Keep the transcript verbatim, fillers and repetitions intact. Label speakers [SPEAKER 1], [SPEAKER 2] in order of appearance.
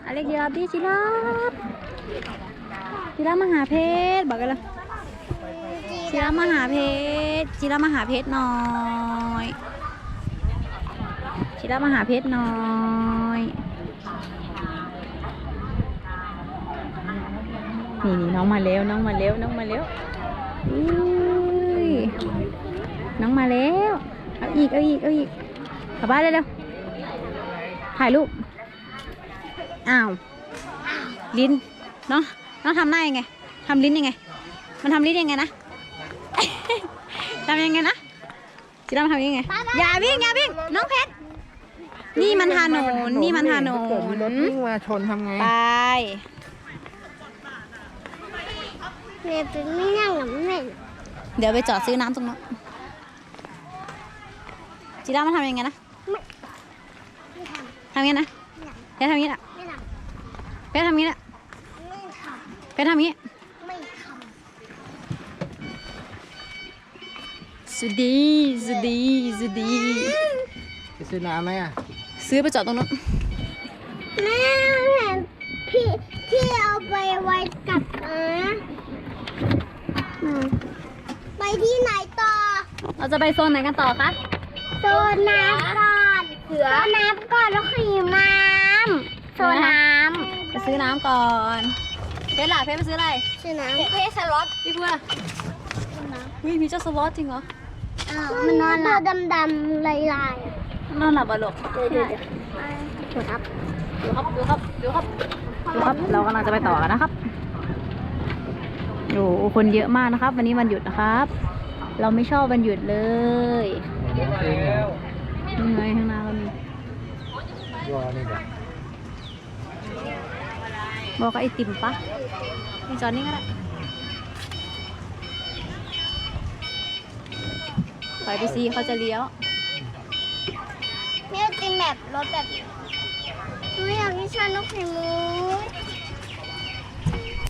[SPEAKER 1] อเล็กยีราฟดิจิราฟจิราฟมหาเพชรบอกกันเลยจิราฟมหาเพชรจิราฟมหาเพชรหน่อยจิราฟมหาเพชรหน่อยนี่นี่น้องมาเร็วน้องมาเร็วน้องมาเร็วอุ้ยน้องมาแล้วเอาอีกเอาอีกเอาอีกกลับบ้านเลยเร็วถ่ายรูปอ้าวลิ้นเนาะน้องทำหน้ายังไงทำลิ้นยังไงมันทำลิ้นยังไงนะ ทำยังไงนะจิราฟทำยังไงอย่าวิ่งอย่าวิ่งน้องเพชรนี่มันถนนนี่มันถนน
[SPEAKER 2] เกิดมีรถวิ่งมาชนทำไง
[SPEAKER 1] ไป
[SPEAKER 3] แม่เป็นไม่นั่งหรอแม่
[SPEAKER 1] เดี๋ยวไปจอดซื้อน้ำตรงนั้นจิราฟมันทำยังไงนะทำยังไงนะเพชรทำยังไงนะ
[SPEAKER 3] ไม่ท
[SPEAKER 1] เพชรทำยังไงนะ
[SPEAKER 3] ำไม่ท
[SPEAKER 1] เพชรทำยังไง
[SPEAKER 3] ำไม่ท
[SPEAKER 1] สุดดีสุดดีสุดดี
[SPEAKER 2] ไปซื้อน้ำไหมอ่ะ
[SPEAKER 1] ซื้อไปจอดตรงนั้น
[SPEAKER 3] ำแม่เห็นพี่ที่เอาไปไว้กับนะไปที่ไหนต่อ
[SPEAKER 1] เราจะไปโซนไหนกันต่อคะ
[SPEAKER 3] โซนน้ำก่อนเสือน้ำก่อนแล้วขี่น้ำโซนน้
[SPEAKER 1] ไปซื้อน้ำก่อนเพชรล่ะเพชรไปซื้ออะไร
[SPEAKER 3] ำชื่อน้ำเพชรสล็อต
[SPEAKER 1] พี่พูดล่ะวิมีเจ้าสล็อตจริงเหรอ
[SPEAKER 3] มันนอนตัวดำๆลายๆ
[SPEAKER 1] นอนหลับอ่ะลูก
[SPEAKER 3] เดี๋ยวเดี๋ยวเดี๋ยวครับ
[SPEAKER 1] ดูครับดูครับดูครับดูครับเรากำลังจะไปต่อกันนะครับโอ้โหคนเยอะมากนะครับ วันนี้วันหยุดนะครับ เราไม่ชอบวันหยุดเลยยังไงข้างหน้าก็มี
[SPEAKER 2] รอนี่แบบ
[SPEAKER 1] บอกกับไอติมปะนี่จอดนี่ก็ได้ถอยไปซีเขาจะเลี้ยว
[SPEAKER 3] ไม่เป็นแบบรถแบบนี้หนูอยากกินชานกไข่มุก